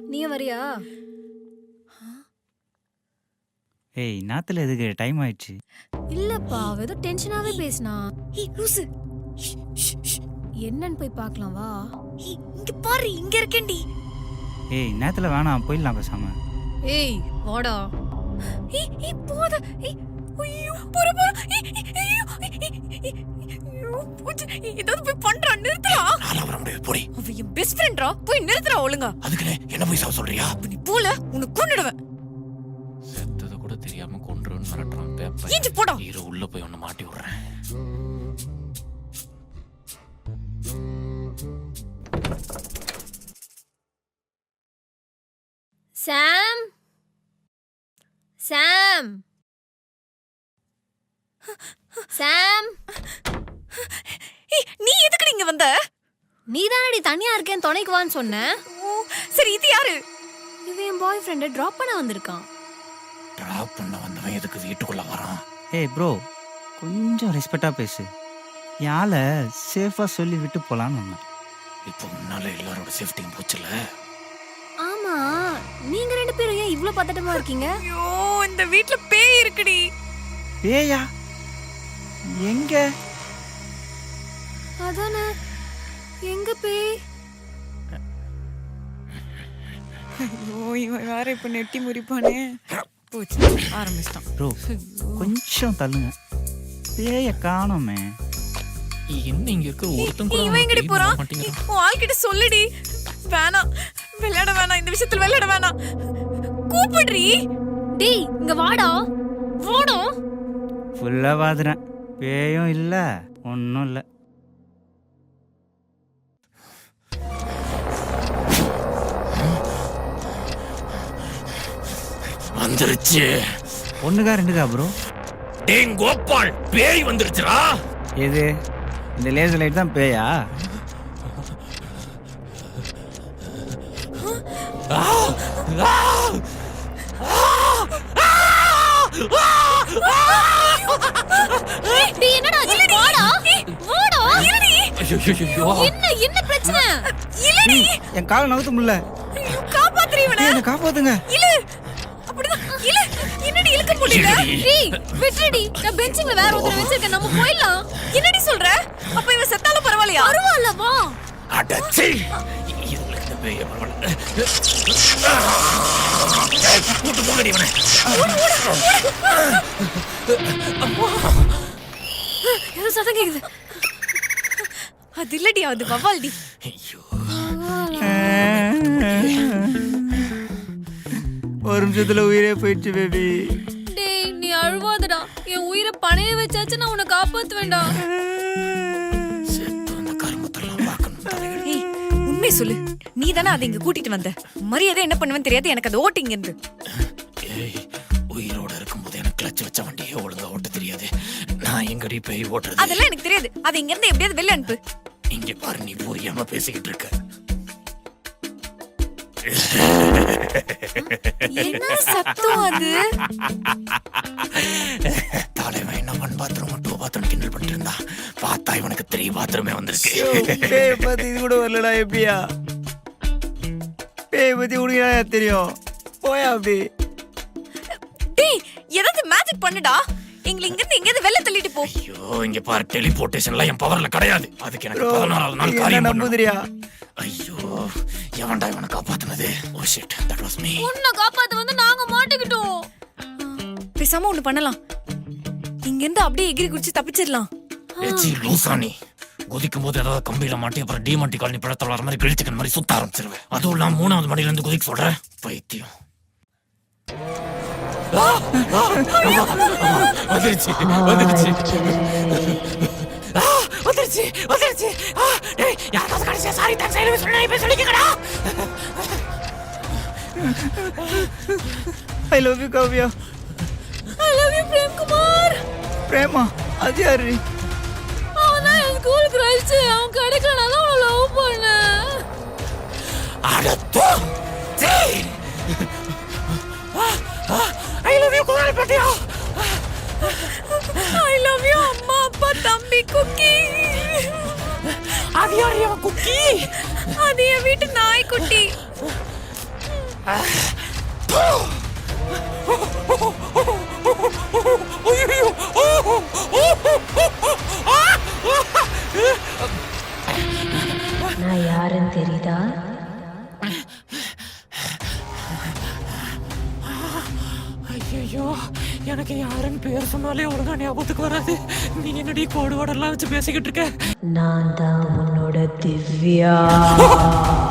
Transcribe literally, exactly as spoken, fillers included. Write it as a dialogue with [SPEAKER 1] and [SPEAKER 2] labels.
[SPEAKER 1] நீ வரியா?
[SPEAKER 2] ஏய் நாத்துல எதுக்கு டைம் ஆயிடுச்சு.
[SPEAKER 1] இல்லப்பா ஏதோ டென்ஷனாவே பேசினா.
[SPEAKER 3] ஏய் லூசு,
[SPEAKER 1] என்னன்னு போய் பார்க்கலாம் வா.
[SPEAKER 3] ஏய் இங்க பாரு, இங்க இருக்கேன்டி.
[SPEAKER 2] ஏய் நேத்துல வேணாம், போயிடலாம் பேசாம.
[SPEAKER 1] ஏய் வாடா.
[SPEAKER 3] ஏய் ஏய் போத. ஏய் ஐயோ போற போற. ஐயோ ஐயோ போச்சு. ஏதாவது போய் பண்றா, நிறுத்துடா.
[SPEAKER 4] நான் வர முடியாது, போடி.
[SPEAKER 3] அவ என் பெஸ்ட் ஃப்ரெண்ட்ரா, போய் நிறுத்துடா ஒழுங்கா.
[SPEAKER 4] அதுக்குனே என்ன போய் சாவ சொல்றியா?
[SPEAKER 3] நீ போல உன்னை கொன்னுடுவேன்.
[SPEAKER 4] செத்தத கூட தெரியாம கொன்றுன்னு மிரட்டுறான் பேப்பர்.
[SPEAKER 3] ஏஞ்சி போடா.
[SPEAKER 4] இரு உள்ள போய் ஒன்னு மாட்டி விடுறேன்.
[SPEAKER 1] சாம் சாம் சாம்
[SPEAKER 3] ஏய் நீ எதுக்கு இங்க வந்த?
[SPEAKER 1] நீ தானடி தனியா இருக்கேன் துணைக்கு வான்னு சொன்ன.
[SPEAKER 3] ஓ சரி, இது யாரு?
[SPEAKER 1] இவன் என் பாய் ஃப்ரெண்டை ட்ராப் பண்ண வந்திருக்கான்.
[SPEAKER 4] டிராப் பண்ண வந்தவன் எதுக்கு வீட்டுக்குள்ள வரான்?
[SPEAKER 2] ஏய் ப்ரோ, கொஞ்சம் ரெஸ்பெக்டா பேசு. யால சேஃபா சொல்லி விட்டு போலான்னு வந்தேன்.
[SPEAKER 4] இப்போ முன்னால எல்லாரோட சேஃப்டியும் போச்சுல.
[SPEAKER 1] ஆமா, நீங்க ரெண்டு பேரும் ஏன் இவ்ளோ பதட்டமா இருக்கீங்க?
[SPEAKER 3] ஐயோ இந்த வீட்ல பேய் இருக்குடி.
[SPEAKER 2] பேயா? எங்க?
[SPEAKER 1] அதானே, எங்க பேய்?
[SPEAKER 3] ஐயோ இவன் வேற இப்ப நெட்டி முறிப்பானே. போச்சு, ஆரம்பிச்சிட்டான்.
[SPEAKER 2] ப்ரோ கொஞ்சம் தள்ளுங்க, பேய காணோமே.
[SPEAKER 4] என்ன இங்க இருக்க ஒருத்தன் கூட
[SPEAKER 3] இவன் எங்கடி போறான்?
[SPEAKER 4] மாட்டேங்கிறான்.
[SPEAKER 3] உன் ஆள்கிட்ட சொல்லுடி. வேணாம், விளையாட வேணாம், இந்த விஷயத்துல விளையாட வேணாம். கூப்பிடுறி.
[SPEAKER 1] டேய் இங்க வாடா. வாடா.
[SPEAKER 2] ஃபுல்லா பாதுறேன், பேயும் இல்ல ஒன்னும் இல்ல.
[SPEAKER 4] வந்துருச்சு.
[SPEAKER 2] ஒண்ணுக்கா ரெண்டுக்கா ப்ரோ?
[SPEAKER 4] டேய் கோபால், பேய் வந்துருச்சுடா.
[SPEAKER 2] எது இந்த லேசர் லைட் தான் பேயா?
[SPEAKER 1] டேய் என்னடா ஆச்சு? வாடா. வாடா.
[SPEAKER 3] இல்லடி.
[SPEAKER 4] ஐயோ ஐயோ.
[SPEAKER 1] என்ன என்ன பிரச்சனை?
[SPEAKER 3] இல்லடி.
[SPEAKER 2] என் காலை நகர்த்த முடியல.
[SPEAKER 3] ஐயோ காப்பாத்துறீ இவனை.
[SPEAKER 2] என்ன காப்பாத்துங்க.
[SPEAKER 3] இல்ல. அப்படிதான். இல்ல. என்னடி இழுக்க முடியல?
[SPEAKER 1] டேய் விட்டுடி. நான் பெஞ்சிங்ல வேற ஒருத்தர வச்சிருக்கேன், நம்ம போயிடலாம்.
[SPEAKER 3] என்னடி சொல்ற? அப்ப இவன் செத்தாலும் பரவாயில்லையா?
[SPEAKER 1] பரவாயில்ல வா.
[SPEAKER 4] அடச்சி. இதுல இந்த பேய் பரவாயில்ல. கூட்டு போங்கடி இவனை.
[SPEAKER 1] ஏதோ சத்தம் கேக்குது.
[SPEAKER 3] அது இல்லடி, அது வவ்வால்டி.
[SPEAKER 4] ஐயோ.
[SPEAKER 2] ஒரு நிமிஷத்துல உயிரே போயிடுச்சு பேபி.
[SPEAKER 1] டேய் நீ அழுவாதடா. என் உயிரை பணைய வச்சாச்சு, நான் உன்னை காப்பாத்துவேன்டா.
[SPEAKER 4] செத்து அந்த கருமத்தெல்லாம் பார்க்கணும் தலைகள்.
[SPEAKER 3] ஏய் உண்மை சொல்லு, நீ தானே அதை இங்க கூட்டிட்டு வந்த. மரியாதை என்ன பண்ணுவேன்னு தெரியாது எனக்கு. அது ஓட்டிங்க இருந்து.
[SPEAKER 4] ஏய் உயிரோட இருக்கும்போது எனக்கு கிளச் வச்ச வண்டியே ஒழுங்கா ஓட்ட தெரியாது. நான் எங்கடி பேய் ஓட்டுறது?
[SPEAKER 3] அதெல்லாம் எனக்கு தெரியாது. அதை இங்க இருந்து எப்படியாவது வெளில அனுப்பு.
[SPEAKER 4] இங்க பாரு, நீ புரியாம பேசிக்கிட்டு இருக்க.
[SPEAKER 3] என்ன சத்தம் அது?
[SPEAKER 4] தலைவன் என்ன ஒன் பாத்ரூம் டூ பாத்ரூம் கிண்டல் பண்ணிட்டு இருந்தா, பார்த்தா இவனுக்கு த்ரீ பாத்ரூமே வந்திருக்கு.
[SPEAKER 2] பேய் பத்தி இது கூட வரலடா. எப்படியா பேய் பத்தி உனக்கு தெரியும்? போயா அப்படி.
[SPEAKER 3] டேய் ஏதாவது மேஜிக் பண்ணுடா. எங்களை இங்க இருந்து எங்கேயாவது வெளில தள்ளிட்டு போ.
[SPEAKER 4] ஐயோ இங்க பாரு, டெலிபோர்டேஷன்லாம் என் பவர்ல கிடையாது. அதுக்கு எனக்கு பதினாறாவது நாள் காரியம் பண்ணணும்.
[SPEAKER 2] நம்புதிரியா?
[SPEAKER 4] ஐயோ எவன்டா இவனை காப்பாத்துனது? Oh shit, that was me.
[SPEAKER 1] உன்னை காப்பாத்த வந்து நாங்க மாட்டிக்கிட்டோம்.
[SPEAKER 3] பேசாம ஒண்ணு பண்ணலாம். இங்க இருந்து அப்படியே எகிரி குடிச்சு தப்பிச்சிடலாம்.
[SPEAKER 4] ஏச்சி லூசானி, குதிக்கும் போது ஏதாவது கம்பியில மாட்டி அப்புறம் டிமாண்டி காலனி பழத்தில் வர மாதிரி கிழிச்சிக்கன் மாதிரி சுத்த ஆரம்பிச்சிருவேன். அதுவும் இல்லாம மூணாவது மணில இருந்து குதிக்க சொல்றேன். பைத்தியம். வந்துருச்சு வந்துருச்சு வந்துருச்சு வந்துருச்சு. யாராவது கடைசியா சாரி தான் சைடு சொன்னா இப்ப சொல்லிக்கடா.
[SPEAKER 2] I love you Kavya.
[SPEAKER 1] I love you Prem Kumar.
[SPEAKER 2] பிரேமா? அது யாரு?
[SPEAKER 1] அவன் தான் என் ஸ்கூல் கிரஷ். அவன் கிடைக்கலனால அவனை லவ் பண்ணேன்.
[SPEAKER 4] அடத்தோ Jai. I love you Kumar பட்டியா.
[SPEAKER 3] ஐ லவ் யூ அம்மா அப்பா தம்பி குக்கி.
[SPEAKER 4] அது யாரு அவன் குக்கி?
[SPEAKER 3] அது என் வீட்டு நாய்க்குட்டி.
[SPEAKER 5] தெரியுதா?
[SPEAKER 4] ஐயோ, எனக்கு யாருன்னு பேர் சொன்னாலே ஒழுங்கா ஞாபகத்துக்கு வராது. நீ என்னடி கோடு வாடெல்லாம் வச்சு பேசிக்கிட்டு இருக்க?
[SPEAKER 5] நான் தான் உன்னோட திவ்யா.